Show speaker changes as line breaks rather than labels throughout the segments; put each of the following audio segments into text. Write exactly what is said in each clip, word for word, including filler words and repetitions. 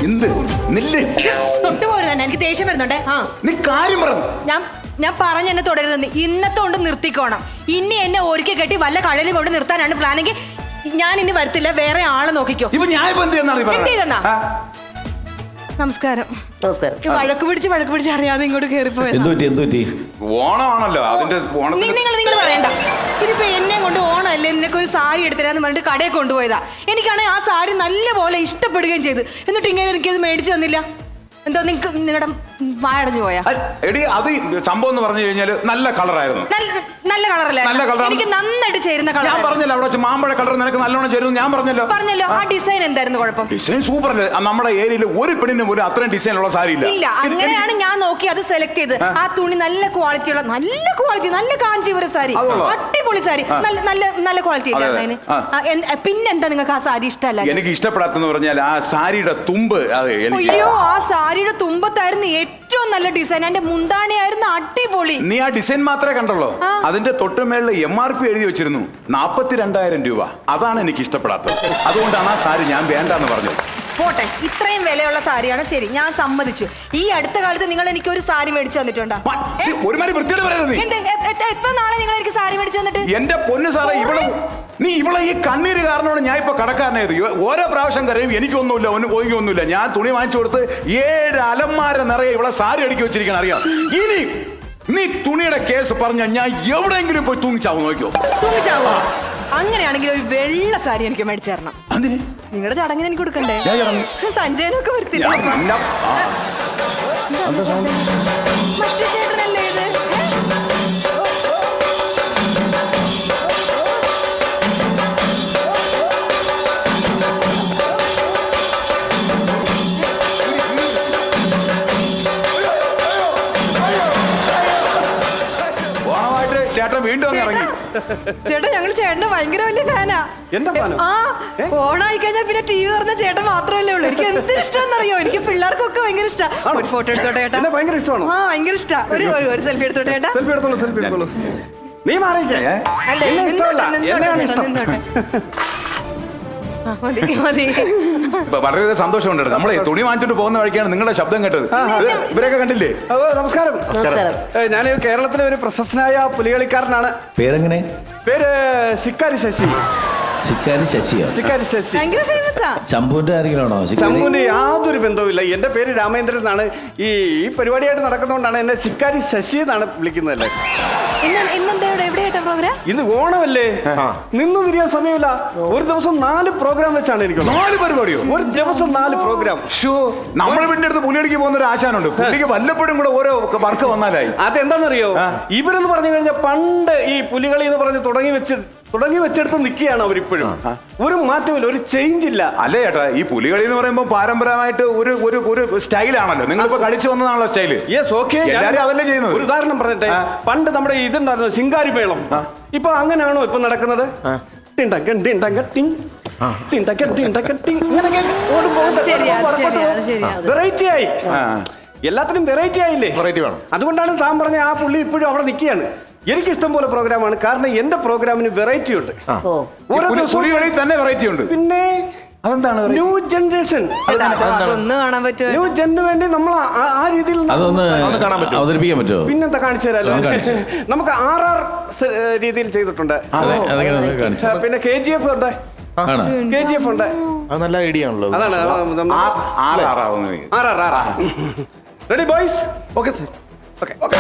എന്ത് നില്ല്
തൊട്ടുപോരുത് തന്നെ, എനിക്ക് ദേഷ്യം വരുന്നുണ്ടേ. ആ
നീ കാര്യം പറഞ്ഞു.
ഞാൻ ഞാൻ പറഞ്ഞ എന്നെ തുടരുതെന്ന്. ഇന്നത്തെ കൊണ്ട് നിർത്തിക്കോണം. ഇനി എന്നെ ഒരിക്കൽ കെട്ടി വല്ല കടലിൽ കൊണ്ട് നിർത്താനാണ് പ്ലാനെങ്കിൽ ഞാൻ ഇനി വരത്തില്ല, വേറെ ആളെ നോക്കിക്കോ.
ഇപ്പൊ ഞാൻ ഇപ്പൊ എന്ത് ചെയ്യുന്നാണ്
എന്ത് ചെയ്തെന്നാ? നമസ്കാരം.
നമസ്കാരം.
വഴക്ക് പിടിച്ച് വഴക്ക് പിടിച്ച് അറിയാതെ ഇങ്ങോട്ട് കയറിപ്പോയി.
ഓണമാണല്ലോ അതിന്റെ
നിങ്ങൾ നിങ്ങൾ പറയണ്ട. ഇതിപ്പോ എന്നെ കൊണ്ട് ഓണമല്ലേ, നിനക്ക് ഒരു സാരി എടുത്തരാന്ന് പറഞ്ഞിട്ട് കടയിൽ കൊണ്ടുപോയതാ. എനിക്കാണെങ്കിൽ ആ സാരി നല്ലപോലെ ഇഷ്ടപ്പെടുകയും ചെയ്തു. എന്നിട്ട് ഇങ്ങനെ എനിക്കത് മേടിച്ചു തന്നില്ല. എന്തോ നിങ്ങക്ക് നിങ്ങളുടെ വായടഞ്ഞു പോയാ?
എടി അത് സംഭവം എന്ന് പറഞ്ഞു കഴിഞ്ഞാല് നല്ല കളറായിരുന്നു.
നല്ല കളറല്ലേ?
നല്ല കളർ,
എനിക്ക് നന്നായിട്ട് ചേരുന്ന കളർ.
ഞാൻ പറഞ്ഞല്ലോ അവിടെ മാമ്പഴ കളർ നിനക്ക് നല്ലോണം ചേരുന്നു. ഞാൻ പറഞ്ഞല്ലോ
പറഞ്ഞല്ലോ ആ ഡിസൈൻ എന്തായിരുന്നു കുഴപ്പം?
ഡിസൈൻ സൂപ്പർ അല്ലേ? നമ്മുടെ ഏരിയയിൽ ഒരു പെണ്ണിന് പോലും അത്രയും ഡിസൈൻ ഉള്ള സാരി ഇല്ല.
ഇല്ല, അങ്ങനെയാണ് ഞാൻ നോക്കി അത് സെലക്ട് ചെയ്ത്. ആ തുണി നല്ല ക്വാളിറ്റിയുള്ള, നല്ല ക്വാളിറ്റി, നല്ല കാഞ്ചീപുരം സാരി, അടിപൊളി സാരി, നല്ല നല്ല നല്ല ക്വാളിറ്റി ഇല്ല അതിന്. പിന്നെന്താ നിങ്ങൾക്ക് ആ സാരി ഇഷ്ടമല്ല?
എനിക്ക് ഇഷ്ടപ്പെടാത്തെന്ന് പറഞ്ഞാൽ ആ സാരിയുടെ തുമ്പ്.
അയ്യോ, ആ സാരിയുടെ തുമ്പത്തായിരുന്നു ഏറ്റവും നല്ല ഡിസൈൻ. എന്റെ മുന്താണിയായിരുന്നു അടിപൊളി.
നീ ആ ഡിസൈൻ മാത്രമേ കണ്ടുള്ളൂ. അതിന്റെ തൊട്ടുമേളിൽ എം ആർ പി എഴുതി വെച്ചിരുന്നു നാപ്പത്തി രണ്ടായിരം രൂപ. അതാണ് എനിക്ക് ഇഷ്ടപ്പെടാത്തത്. അതുകൊണ്ടാണ് ആ സാരി ഞാൻ വേണ്ടെന്ന് പറഞ്ഞത്.
പോട്ടെ, ഇത്രയും വിലയുള്ള സാരിയാണ് ശരി, ഞാൻ സമ്മതിച്ചു. ഈ അടുത്ത കാലത്ത് നിങ്ങൾ എനിക്ക് ഒരു സാരി മേടിച്ചു തന്നിട്ടുണ്ടോ?
ഒരുമാതിരി വൃത്തിയോട് പറയരുത്.
എത്ര നാളെ നിങ്ങൾ എനിക്ക് സാരി മേടിച്ചു തന്നിട്ട്?
എന്റെ പൊന്ന് സാറേ, ഇവിടെ നീ ഇവിടെ ഈ കണ്ണീര് കാരണമാണ് ഞാൻ ഇപ്പൊ കടക്കാരനായത്. ഓരോ പ്രാവശ്യം കരയും എനിക്കൊന്നുമില്ല, ഒന്നുമില്ല. ഞാൻ തുണി വാങ്ങിച്ചു കൊടുത്ത് ഏഴ് അലമാര നിറയെ ഇവിടെ സാരി അടുക്കി വെച്ചിരിക്കണം, അറിയാം. ഇനി നീ തുണിയുടെ കേസ് പറഞ്ഞ ഞാൻ എവിടെയെങ്കിലും പോയി തൂങ്ങിച്ചാവും. നോക്കിയോ?
തൂങ്ങിച്ചാവോ? അങ്ങനെയാണെങ്കിൽ ഒരു വെള്ള സാരി എനിക്ക് മേടിച്ചു തരണം. നിങ്ങളുടെ ചടങ്ങിന് എനിക്ക് കൊടുക്കണ്ടേ? സഞ്ജയനൊക്കെ വരത്തില്ല. മറ്റേ ചേട്ടനല്ലേ ഇത്?
ചേട്ടൻ വീണ്ടും ഇറങ്ങി.
ചേട്ടാ, ഞങ്ങൾ ചേട്ടന്റെ ഭയങ്കര വലിയ ഫാനാ. ആ ഓണായി കഴിഞ്ഞാൽ പിന്നെ ടി വി തുറന്ന ചേട്ടൻ മാത്രമല്ലേ ഉള്ളൂ. എനിക്ക് എന്തൊരു ഇഷ്ടമെന്നറിയോ? എനിക്ക് പിള്ളേർക്കൊക്കെ ഭയങ്കര ഇഷ്ടമാണ്. ഒരു ഫോട്ടോ എടുത്തോട്ടെ ചേട്ടാ? ഭയങ്കര ഇഷ്ടമാണ്. ആ ഭയങ്കര ഇഷ്ടമാണ്. ഒരു ഒരു സെൽഫി എടുത്തോട്ടെ ചേട്ടാ? സെൽഫി എടുത്തോളൂ, സെൽഫി എടുത്തോളൂ. നീ മാറിക്കേ.
വളരെ സന്തോഷമുണ്ട്. നമ്മളെ തുണി വാങ്ങിച്ചിട്ട് പോകുന്ന വഴിക്കാണ് നിങ്ങളുടെ ശബ്ദം കേട്ടത്. ഇവരൊക്കെ കണ്ടില്ലേ?
നമസ്കാരം. ഞാൻ കേരളത്തിലെ ഒരു പ്രശസ്തനായ പുലികളിക്കാരനാണ്.
പേരെങ്ങനെ?
പേര് ശിക്കാരി ശശി.
ശിക്കാരി ശശിയോ?
ശിക്കാരി ശശി.
ശംഭുവിന്റെ ആരെങ്കിലാണോ?
ശംഭുവിന്റെ യാതൊരു ബന്ധവുമില്ല. എന്റെ പേര് രാമേന്ദ്രൻ എന്നാണ്. ഈ ഈ പരിപാടിയായിട്ട് നടക്കുന്നതുകൊണ്ടാണ് എന്നെ ശിക്കാരി ശശി എന്നാണ് വിളിക്കുന്നതല്ലേ. ഇന്ന് ഓണമല്ലേ, നിന്ന് തിരിയാൻ സമയമില്ല. ഒരു ദിവസം നാല് പ്രോഗ്രാം വെച്ചാണ് എനിക്ക്.
നാല് പരിപാടിയോ?
ഒരു ദിവസം നാല് പ്രോഗ്രാം.
നമ്മുടെ വീടിന്റെ അടുത്ത് പുലിയടിക്ക് പോകുന്ന ഒരു ആശാനുണ്ട്. പുള്ളിക്ക് വല്ലപ്പോഴും കൂടെ ഓരോ വർക്ക് വന്നാലായി.
അതെന്താണെന്നറിയോ? ഇവരെന്ന് പറഞ്ഞു കഴിഞ്ഞാൽ പണ്ട് ഈ പുലികളി എന്ന് പറഞ്ഞ് തുടങ്ങി വെച്ച് തുടങ്ങി വെച്ചെടുത്ത് നിൽക്കുകയാണ് അവരിപ്പോഴും. ഒരു മാറ്റമില്ല, ഒരു ചേഞ്ച് ഇല്ല.
അല്ലേ ചേട്ടാ, ഈ പുലികളി എന്ന് പറയുമ്പോൾ പാരമ്പര്യമായിട്ട് ഒരു ഒരു ഒരു സ്റ്റൈലാണല്ലോ. നിങ്ങളിപ്പോ കളിച്ചു വന്നതാണല്ലോ സ്റ്റൈല്.
യെസ്, ഓക്കെ,
അതല്ലേ ചെയ്യുന്നത്.
ഒരു ഉദാഹരണം പറഞ്ഞിട്ടെ, പണ്ട് നമ്മുടെ ഇതുണ്ടായിരുന്നു ശിങ്കാരി മേളം. ഇപ്പൊ അങ്ങനെയാണോ ഇപ്പൊ നടക്കുന്നത്? വെറൈറ്റി ആയി, എല്ലാത്തിനും വെറൈറ്റി ആയില്ലേ?
വെറൈറ്റി വേണം.
അതുകൊണ്ടാണ് താൻ പറഞ്ഞ ആ പുള്ളി ഇപ്പോഴും അവിടെ നിൽക്കുകയാണ്. എനിക്ക് ഇഷ്ടം പോലെ പ്രോഗ്രാമാണ്, കാരണം എന്റെ പ്രോഗ്രാമിന് വെറൈറ്റി ഉണ്ട്. ഓരോ ദിവസവും
തന്നെ വെറൈറ്റി ഉണ്ട്.
പിന്നെ അതെന്താണ് ന്യൂ ജനറേഷൻ, ന്യൂ ജനു വേണ്ടി നമ്മൾ ആ രീതിയിൽ
അവതരിപ്പിക്കാൻ പറ്റുമോ?
പിന്നെന്താ കാണിച്ചു തരാലോ. നമുക്ക് ആർ ആർ രീതിയിൽ ചെയ്തിട്ടുണ്ട്. പിന്നെ കെ ജി എഫ് ഉണ്ട്, കെ ജി എഫ് ഉണ്ട്.
നല്ല ഐഡിയ ആണല്ലോ.
അതാണ് R R R. Ready boys? Okay sir. Okay okay.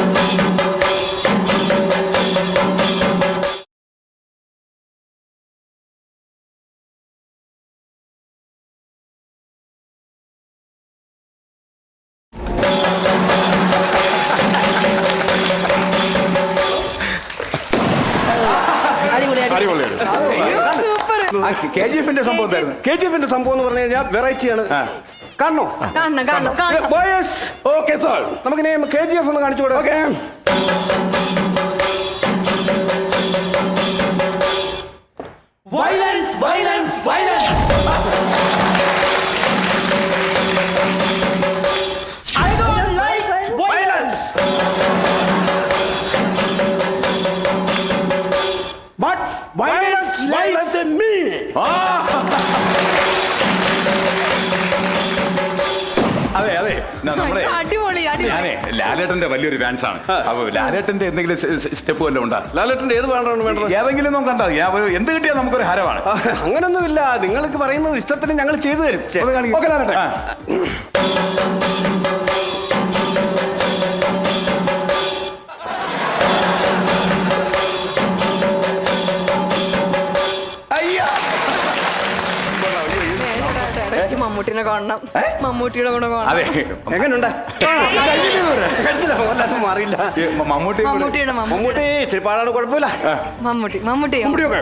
K G എഫിന്റെ സംഭവം
കെ ജി എഫിന്റെ സംഭവം എന്ന് പറഞ്ഞു കഴിഞ്ഞാൽ വെറൈറ്റിയാണ്. കാണണോ?
ഓക്കെ സാർ,
നമുക്ക് കെ ജി എഫ് ഒന്ന് കാണിച്ചു കൊടുക്കാം. Okay.
Violence, violence, violence. I don't like violence. But violence lies in me.
എന്നാ നമ്മുടെ
അടിപൊളി അടിപൊളി.
ഞാനേ ലാലേട്ടന്റെ വലിയൊരു ഫാൻസ് ആണ്. അപ്പൊ ലാലേട്ടന്റെ എന്തെങ്കിലും സ്റ്റെപ്പ് വല്ലതും ഉണ്ടാ?
ലാലേട്ടന്റെ ഏത് പാട്ടാണ് വേണ്ടത്?
ഏതെങ്കിലും ഒന്നും കണ്ടാ എന്ത് കിട്ടിയാൽ നമുക്കൊരു ഹരമാണ്.
അങ്ങനൊന്നുമില്ല, നിങ്ങൾക്ക് പറയുന്നത് ഇഷ്ടത്തിന് ഞങ്ങൾ ചെയ്തു തരും. ഓക്കേ ലാലേട്ടൻ.
എനിക്ക് മമ്മൂട്ടിനെ കാണണം, മമ്മൂട്ടിയുടെ കൂടെ കാണണം.
അതെ
എങ്ങനെയുണ്ട്? മാറിയില്ല.
മമ്മൂട്ടി
മമ്മൂട്ടിയുടെ
മമ്മൂട്ടി
മമ്മൂട്ടി
ഇച്ചിരി പാടാണ്, കുഴപ്പമില്ല.
മമ്മൂട്ടി മമ്മൂട്ടി
മമ്മൂട്ടിയൊക്കെ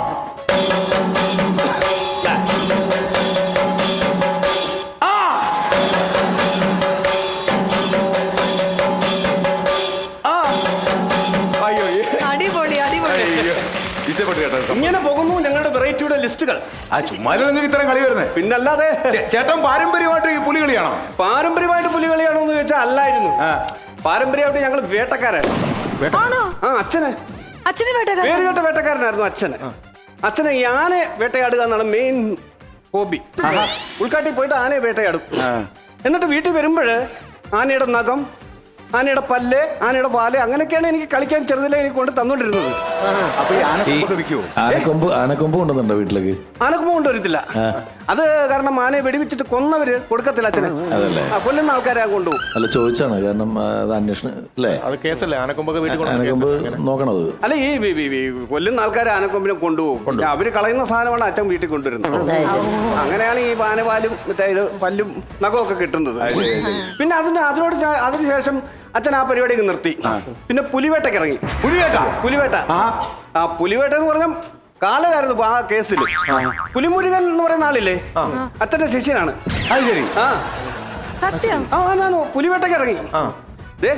അടിപൊളി അടിപൊളി.
ഇഷ്ടപ്പെട്ടു കേട്ടോ.
ഇങ്ങനെ പോകുന്നു ഞങ്ങളുടെ വെറൈറ്റിയുടെ ലിസ്റ്റുകൾ.
ആ ചുമ്മാലും നിങ്ങൾക്ക് ഇത്രയും കളി വരുന്നത്?
പിന്നല്ലാതെ.
ചേട്ടൻ പാരമ്പര്യമായിട്ട് ഈ പുലി കളിയാണോ?
പാരമ്പര്യമായിട്ട് പുലി കളിയാണോ എന്ന് ചോദിച്ചാൽ അല്ലായിരുന്നു. പാരമ്പര്യമായിട്ട് ഞങ്ങൾ വേട്ടക്കാരായിരുന്നു.
ആണോ?
ആ അച്ഛന്
അച്ഛന് വേട്ടക്കാരൻ.
പേര് കേട്ട വേട്ടക്കാരനായിരുന്നു അച്ഛന്. അച്ഛന് ഈ ആനയെ വേട്ടയാടുക എന്നാണ് മെയിൻ ഹോബി. ഉൾക്കാട്ടിൽ പോയിട്ട് ആനയെ വേട്ടയാടും. എന്നിട്ട് വീട്ടിൽ വരുമ്പോൾ ആനയുടെ നഖം, ആനയുടെ പല്ല്, ആനയുടെ പാല്, അങ്ങനെയൊക്കെയാണ് എനിക്ക് കളിക്കാൻ ചെറുതിലെ എനിക്ക് കൊണ്ട് തന്നോണ്ടിരുന്നത്.
അപ്പൊ ഈ ആനക്കൊമ്പൊക്കെ വിൽക്കുവോ?
ആനക്കൊമ്പ് ആനക്കൊമ്പ് കൊണ്ടുവന്നുണ്ടോ വീട്ടിലേക്ക്?
ആനക്കൊമ്പ് കൊണ്ടുവരത്തില്ല. അത് കാരണം ആനയെ വെടിവെച്ചിട്ട് കൊന്നവര് കൊടുക്കത്തില്ല അച്ഛന്.
അതല്ലേ?
ആ കൊല്ലുന്ന ആൾക്കാരെ കൊണ്ടുപോകും.
അല്ല ചോദിച്ചാണ്, കാരണം അത് അന്വേഷണം അല്ലേ?
അത് കേസല്ലേ? ആനക്കൊമ്പൊക്കെ വീട്ടിൽ
ആനക്കൊമ്പ് നോക്കണത്.
അല്ല ഈ വി- വി- വി- കൊല്ലുന്ന ആൾക്കാരെ ആനക്കൊമ്പിനെ കൊണ്ടുപോകും. അവര് കളയുന്ന സാധനമാണ് അച്ഛൻ വീട്ടിൽ കൊണ്ടുവരുന്നത്. അങ്ങനെയാണ് ഈ ആനപാലും മറ്റേ ഇത് പല്ലും നഖമൊക്കെ കിട്ടുന്നത്. പിന്നെ അതിന് അതിനോട് ഞാൻ- അതിനുശേഷം അച്ഛൻ ആ പരിപാടി നിർത്തി. പിന്നെ പുലിവേട്ടയ്ക്ക് ഇറങ്ങി.
പുലിവേട്ട?
പുലിവേട്ട. ആ പുലിവേട്ട എന്ന് പറഞ്ഞാൽ കാലയായിരുന്നു ആ കേസിൽ. പുലിമുരുകൻ എന്ന് പറയുന്ന ആളില്ലേ, അച്ഛന്റെ ശിഷ്യനാണ്.
അത് ശരി.
ആ
സത്യം.
ആ ഞാൻ പുലിവേട്ടയ്ക്ക് ഇറങ്ങി. ദേ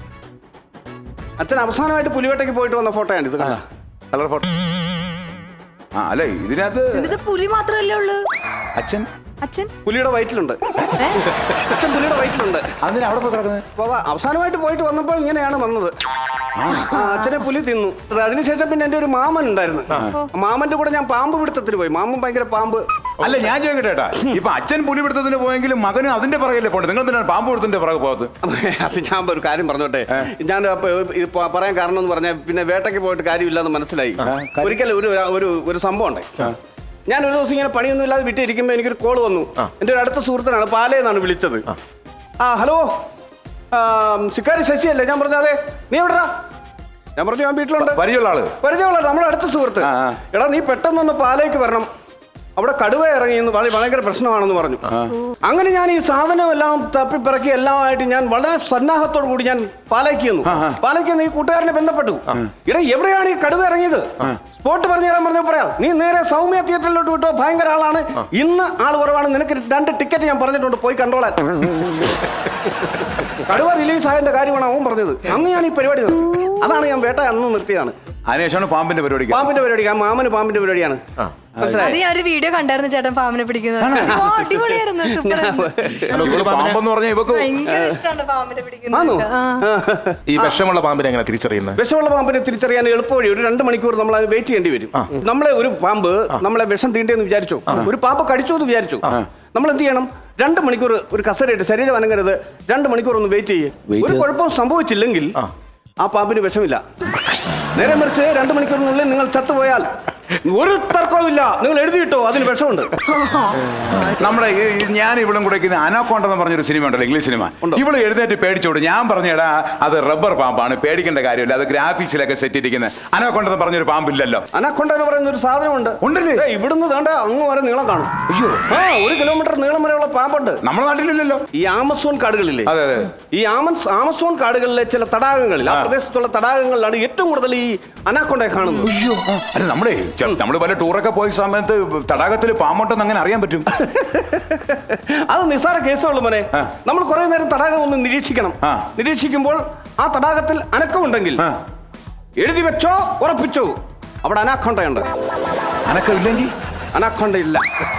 അച്ഛൻ അവസാനമായിട്ട് പുലിവേട്ടയ്ക്ക് പോയിട്ട് വന്ന ഫോട്ടോയാണ് ഇത്. കണ്ട
കളർ ഫോട്ടോ. ആ അല്ല ഇതിനകത്ത്
ഇത് പുലി മാത്രമല്ലേ ഉള്ളൂ?
അച്ഛൻ
അച്ഛൻ
പുലിയുടെ വയറ്റിലുണ്ട്.
ഏ?
അച്ഛൻ പുലിയുടെ വയറ്റിലുണ്ട്.
അതിന് അവിടെ പോയി കിടക്കുന്നത്?
അപ്പൊ അവസാനമായിട്ട് പോയിട്ട് വന്നപ്പോ ഇങ്ങനെയാണ് വന്നത്. ആ, അച്ഛനെ പുലി തിന്നു. അത് അതിനുശേഷം പിന്നെ എന്റെ ഒരു മാമൻ ഉണ്ടായിരുന്നു. മാമന്റെ കൂടെ ഞാൻ പാമ്പ് പിടുത്തത്തിന് പോയി. മാമൻ ഭയങ്കര പാമ്പ്.
അല്ല ഞാൻ ചോദിക്കട്ടെ ഏട്ടാ, ഇപ്പൊ അച്ഛൻ പുലി പിടുത്തത്തിന് പോയെങ്കിലും മകനും അതിന്റെ പുറകല്ലേ പോകണ്ടത്? നിങ്ങൾ എന്തിനാണ് പാമ്പ് പിടുത്തത്തിന്റെ പുറകെ പോകത്ത്?
അത് ഞാൻ ഒരു കാര്യം പറഞ്ഞോട്ടെ. ഞാൻ അപ്പൊ ഇത് പ- പറയാൻ കാരണം എന്ന് പറഞ്ഞാൽ പിന്നെ വേട്ടയ്ക്ക് പോയിട്ട് കാര്യമില്ലെന്ന് മനസ്സിലായി. ഒരിക്കലും ഒരു ഒരു ഒരു സംഭവം ഉണ്ടായി. ഞാൻ ഒരു ദിവസം ഇങ്ങനെ പണിയൊന്നും ഇല്ലാതെ വിട്ടിരിക്കുമ്പോൾ എനിക്കൊരു കോൾ വന്നു. എൻ്റെ ഒരു അടുത്ത സുഹൃത്തിനാണ്, പാലയെന്നാണ് വിളിച്ചത്. ആ ഹലോ, ശിക്കാരി ശശിയല്ലേ? ഞാൻ പറഞ്ഞു അതെ. നീ എവിടെടാ? ഞാൻ പറഞ്ഞു ഞാൻ വീട്ടിലുണ്ട്.
പരിചയമുള്ള ആള്?
പരിചയമുള്ള നമ്മുടെ അടുത്ത സുഹൃത്ത്. എടാ നീ പെട്ടെന്നൊന്ന് പാലയ്ക്ക് വരണം, അവിടെ കടുവ ഇറങ്ങി എന്ന് വളരെ ഭയങ്കര പ്രശ്നമാണെന്ന് പറഞ്ഞു. അങ്ങനെ ഞാൻ ഈ സാധനം എല്ലാം തപ്പിപ്പിറക്കി എല്ലാമായിട്ട് ഞാൻ വളരെ സന്നാഹത്തോടു കൂടി ഞാൻ പാലയ്ക്ക് വന്നു. പാലയ്ക്ക് വന്ന് ഈ കൂട്ടുകാരനെ ബന്ധപ്പെട്ടു. ഇടാ എവിടെയാണ് ഈ കടുവ ഇറങ്ങിയത്? സ്പോട്ട് പറഞ്ഞു തരാൻ പറഞ്ഞു. പറയാം, നീ നേരെ സൗമ്യ തിയേറ്ററിലോട്ട് വിട്ടോ, ഭയങ്കര ആളാണ്, ഇന്ന് ആൾ കുറവാണ്, നിനക്ക് രണ്ട് ടിക്കറ്റ് ഞാൻ പറഞ്ഞിട്ടുണ്ട്, പോയി കണ്ടോളാൻ. കടുവ റിലീസ് ആയതിന്റെ കാര്യമാണ് അവൻ പറഞ്ഞത്. അന്ന് ഞാൻ ഈ പരിപാടി നിർത്തി. അതാണ് ഞാൻ വേട്ട അന്ന് നിർത്തിയതാണ്.
അതിനുശേഷമാണ് പാമ്പിന്റെ പരിപാടി.
പാമ്പിന്റെ പരിപാടി, ആ മാമന് പാമ്പിന്റെ പരിപാടിയാണ്.
അത് ഞാൻ ഒരു വീഡിയോ കണ്ടായിരുന്നു ചേട്ടൻ പാമ്പിനെ പിടിക്കുന്നത്. ഓ, അടിപൊളിയായിരുന്നു. സൂപ്പർ.
പാമ്പെന്ന് പറഞ്ഞാൽ ഇവക്ക്
ഭയങ്കര ഇഷ്ടമാണ് പാമ്പിനെ പിടിക്കുന്നത്. ആ.
ഈ വിഷമുള്ള പാമ്പിനെ എങ്ങനെ തിരിച്ചറിയുന്നത്?
വിഷമുള്ള പാമ്പിനെ തിരിച്ചറിയാൻ എളുപ്പവഴി, ഒരു രണ്ട് മണിക്കൂർ നമ്മൾ അത് വെയിറ്റ് ചെയ്യേണ്ടി വരും. നമ്മളെ ഒരു പാമ്പ് നമ്മളെ വിഷം തീണ്ടേന്ന് വിചാരിച്ചു, ഒരു പാമ്പ് കടിച്ചു എന്ന് വിചാരിച്ചു, നമ്മൾ എന്ത് ചെയ്യണം? രണ്ട് മണിക്കൂർ ഒരു കസരയിട്ട്, ശരീരം അനങ്ങരുത്, രണ്ട് മണിക്കൂർ ഒന്ന് വെയിറ്റ് ചെയ്യേ. ഒരു കുഴപ്പവും സംഭവിച്ചില്ലെങ്കിൽ ആ പാമ്പിന് വിഷമില്ല. നേരെ മറിച്ച് രണ്ട് മണിക്കൂറിനുള്ളിൽ നിങ്ങൾ ചത്തുപോയാൽ ഒരു തർക്കവുമില്ല, നിങ്ങൾ എഴുതിയിട്ടോ അതിന് വിഷമുണ്ട്.
നമ്മുടെ ഈ- ഞാൻ ഇവളും കൂടെ അനാക്കോണ്ട എന്ന് പറഞ്ഞൊരു സിനിമ ഉണ്ടല്ലോ, ഇംഗ്ലീഷ് സിനിമ. ഇവള് എഴുന്നേറ്റ് പേടിച്ചോട്. ഞാൻ പറഞ്ഞടാ അത് റബ്ബർ പാമ്പാണ്, പേടിക്കേണ്ട കാര്യമില്ല, അത് ഗ്രാഫിക്സിലൊക്കെ സെറ്റ് ഇരിക്കുന്നത്. അനാക്കോണ്ട എന്ന് പറഞ്ഞൊരു പാമ്പില്ലല്ലോ.
അനാക്കൊണ്ട എന്ന് പറയുന്ന ഒരു സാധനമുണ്ട്.
ഉണ്ടല്ലേ?
ഏയ്, ഇവിടുന്ന് വേണ്ട അങ്ങ് വരെ നീളം കാണും.
അയ്യോ,
ആ ഒരു കിലോമീറ്റർ നീളം വരെയുള്ള പാമ്പുണ്ട്.
നമ്മുടെ നാട്ടിലില്ലല്ലോ.
ഈ ആമസോൺ കാടുകളില്ലേ?
അതെ അതെ.
ഈ ആമസ് ആമസോൺ കാടുകളിലെ ചില തടാകങ്ങളിൽ, ആ പ്രദേശത്തുള്ള തടാകങ്ങളിലാണ് ഏറ്റവും കൂടുതൽ ഈ അനാക്കൊണ്ടയെ കാണുന്നത്.
അയ്യോ, അല്ല നമ്മുടെ നമ്മള് പല ടൂറൊക്കെ പോയ സമയത്ത് തടാകത്തിൽ പാമ്പുണ്ടെന്ന് അങ്ങനെ അറിയാൻ പറ്റും?
അത് നിസ്സാര കേസുള്ളൂ മോനെ. നമ്മൾ കുറെ നേരം തടാകം ഒന്ന് നിരീക്ഷിക്കണം. നിരീക്ഷിക്കുമ്പോൾ ആ തടാകത്തിൽ അനക്കമുണ്ടെങ്കിൽ എഴുതി വെച്ചോ, ഉറപ്പിച്ചോ, അവിടെ അനാക്കൊണ്ടയുണ്ട്.
അനക്കമില്ലെങ്കിൽ
അനാക്കൊണ്ട ഇല്ല.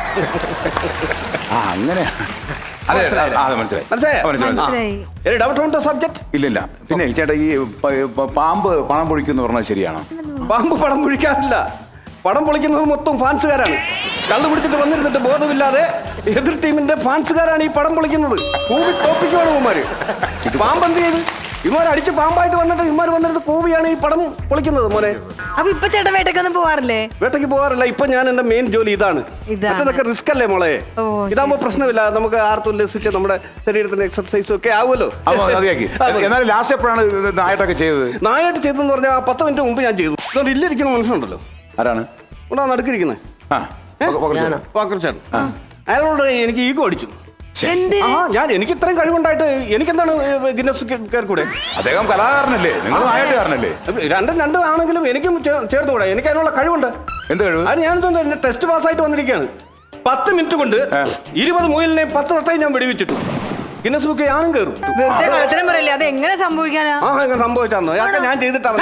ആ അങ്ങനെ. അതെ അതെ, മനസ്സിലായി
മനസ്സിലായോ?
മനസ്സിലായി.
Any doubt on the subject?
ഇല്ലില്ല. പിന്നെ ചേട്ടാ ഈ പ- പ- പാമ്പ് പണം പൊഴിക്കുന്നു പറഞ്ഞാൽ ശരിയാണോ?
പാമ്പ് പടം പൊഴിക്കാറില്ല. പടം പൊളിക്കുന്നത് മൊത്തം ഫാൻസുകാരാണ്. കള്ളു പിടിച്ചിട്ട് വന്നിരുന്നിട്ട് ബോധമില്ലാതെ എതിർ ടീമിന്റെ ഫാൻസുകാരാണ് ഈ പടം പൊളിക്കുന്നത്. കൂവി തോപ്പിക്കുവാണ് ഇവന്മാര്. പാമ്പെന്ത് ചെയ്ത് ഇവന്മാർ അടിച്ച് പാമ്പായിട്ട് വന്നിട്ട് ഇവന്മാർ വന്നിട്ട് കൂവിയാണ് ഈ പടം പൊളിക്കുന്നത് മോനെ.
അപ്പൊ ഇപ്പൊ ചേട്ടൻ വേട്ടക്കൊന്നും പോവാറില്ലേ?
വേട്ടയ്ക്ക് പോകാറില്ല. ഇപ്പൊ ഞാൻ എന്റെ മെയിൻ ജോലി ഇതാണ്.
ഇതാണ്.
മറ്റേതൊക്കെ റിസ്ക് അല്ലേ മോളെ?
ഓ,
ഇതാകുമ്പോ പ്രശ്നമില്ല. നമുക്ക് ആർത്തുല്ലസിച്ച് നമ്മുടെ ശരീരത്തിന്റെ എക്സർസൈസും ഒക്കെ ആവുമല്ലോ.
അപ്പൊ മതിയാക്കി. എന്നാലും ലാസ്റ്റ് എപ്പോഴാണ് ഇത് നായിട്ടൊക്കെ ചെയ്തത്?
നായായിട്ട് ചെയ്തെന്ന് പറഞ്ഞാൽ പത്ത് മിനിറ്റ് മുമ്പ് ഞാൻ ചെയ്തു. അതുകൊണ്ട് ഇല്ലിരിക്കുന്ന മനുഷ്യനുണ്ടല്ലോ,
ആരാണ്?
ഇവിടെ നടുക്കിരിക്കുന്നത്
ആ പകർച്ചേട്ടൻ.
പാക്കർച്ചേട്ടൻ. അയാളോട് എനിക്ക് ഈഗോ അടിച്ചു.
എന്തിന്?
ആ ഞാൻ എനിക്ക് ഇത്രയും കഴിവുണ്ടായിട്ട് എനിക്കെന്താണ് ഗിന്നസ് കയറിക്കൂടെ?
അദ്ദേഹം കലാകാരനല്ലേ, നിങ്ങൾ നായാട്ടുകാരനല്ലേ?
രണ്ടും രണ്ടും ആണെങ്കിലും എനിക്കും ചേർന്നുകൂടെ? എനിക്ക് അതിനുള്ള കഴിവുണ്ട്.
എന്ത് കഴിവ്?
അത് ഞാൻ എന്റെ ടെസ്റ്റ് പാസ്സായിട്ട് വന്നിരിക്കുകയാണ്. പത്ത് മിനിറ്റ് കൊണ്ട് ഇരുപത് മുയലിനെ പത്ത് തത്തയും ഞാൻ വെടിവെച്ചിട്ടു. ഗിന്നസ് ബുക്ക് ഞാനും കയറും.
വെറുതെ കളത്തിനും പറയല്ലേ, അത് എങ്ങനെ സംഭവിക്കാനാ?
ആ അങ്ങനെ സംഭവിച്ചാന്നോ? അതൊക്കെ ഞാൻ ചെയ്തിട്ടാണ്.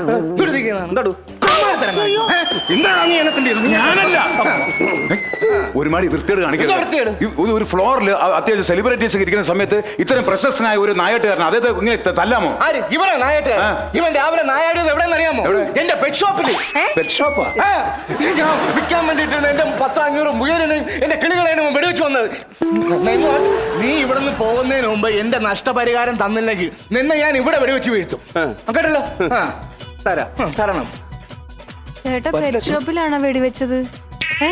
എന്താടു എന്താണ് നീ എന്നെ
ഞാനല്ല. ഒരുമാതിരി വൃത്തിയോട് കാണിക്കരുത്. ഈ ഒരു- ഒരു ഫ്ലോറിൽ അത്യാവശ്യം സെലിബ്രിറ്റീസ് ഒക്കെ ഇരിക്കുന്ന സമയത്ത് ഇത്രയും പ്രശസ്തനായ ഒരു നായാട്ടുകാരൻ അദ്ദേഹത്തെ ഇങ്ങനെ ത- തല്ലാമോ?
ആര്? ഇവനാ നായാട്ട്.
ആ.
ഇവൻ രാവിലെ നായാടിയത് എവിടെയെന്ന് അറിയാമോ? എന്റെ പെറ്റ് ഷോപ്പില്.
പെറ്റ് ഷോപ്പാ?
ആ, ഞാൻ വിൽക്കാൻ വേണ്ടിട്ട് എന്റെ പത്തോ അഞ്ഞൂറ് മുയലിനെയും എന്റെ കിളികളെയും വെടിവെച്ച് വന്നത്. നെയ്മോൻ, നീ ഇവിടെ നിന്ന് പോകുന്നതിന് മുമ്പ് എന്റെ നഷ്ടപരിഹാരം തന്നില്ലെങ്കിൽ നിന്നെ ഞാൻ ഇവിടെ വെടിവെച്ച് വീഴ്ത്തും.
ആ.
കേട്ടല്ലോ? ആ,
തരാം.
ഉം, തരണം.
ചേട്ടാ പെറ്റ് ഷോപ്പിലാണോ വെടിവെച്ചത്? ഏ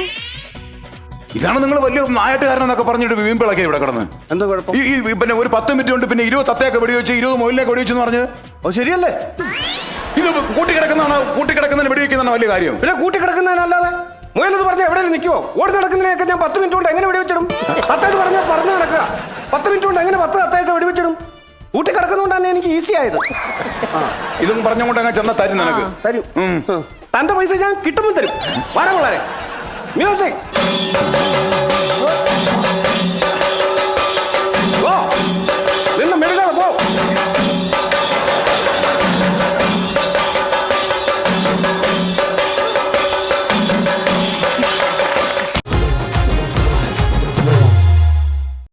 ഇതാണ് നിങ്ങൾ വലിയ നായാട്ടുകാരനെന്നൊക്കെ പറഞ്ഞിട്ട് വീമ്പിളക്കി ഇവിടെ കിടന്ന്.
എന്താ കുഴപ്പം?
ഈ ഈ പിന്നെ ഒരു പത്ത് മിനിറ്റ് കൊണ്ട് പിന്നെ ഇരുപത് തത്തയൊക്കെ വെടിവെച്ച് ഇരുപത് മൊയിലിനൊക്കെ വെടിവെച്ചെന്ന് പറഞ്ഞ്
ഓ ശരിയല്ലേ?
ഇത് കൂട്ടിക്കിടക്കുന്നതാണോ? കൂട്ടിക്കിടക്കുന്നതിന് വെടിവെക്കുന്നതാണ് വലിയ കാര്യം.
പിന്നെ കൂട്ടിക്കിടക്കുന്നതിനല്ലാതെ മുയലെന്ന് പറഞ്ഞാൽ എവിടെയെങ്കിലും നിൽക്കുമോ? ഓടി നടക്കുന്നതിനൊക്കെ ഞാൻ പത്ത് മിനിറ്റ് കൊണ്ട് എങ്ങനെ വെടിവെച്ചിടും? തത്തേന്ന് പറഞ്ഞാൽ പറഞ്ഞു നടക്കുക. പത്ത് മിനിറ്റ് കൊണ്ട് എങ്ങനെ പത്ത് തത്തയൊക്കെ വെടിവെച്ചിടും? കൂട്ടിക്കിടക്കുന്നതുകൊണ്ട് തന്നെ എനിക്ക് ഈസി ആയത്.
ഇതും പറഞ്ഞുകൊണ്ട് അങ്ങ് ചെന്ന തരും നിനക്ക്.
തരും. തന്റെ പൈസ ഞാൻ കിട്ടുമ്പോൾ തരും. വളരെ വളരെ മ്യൂസിക്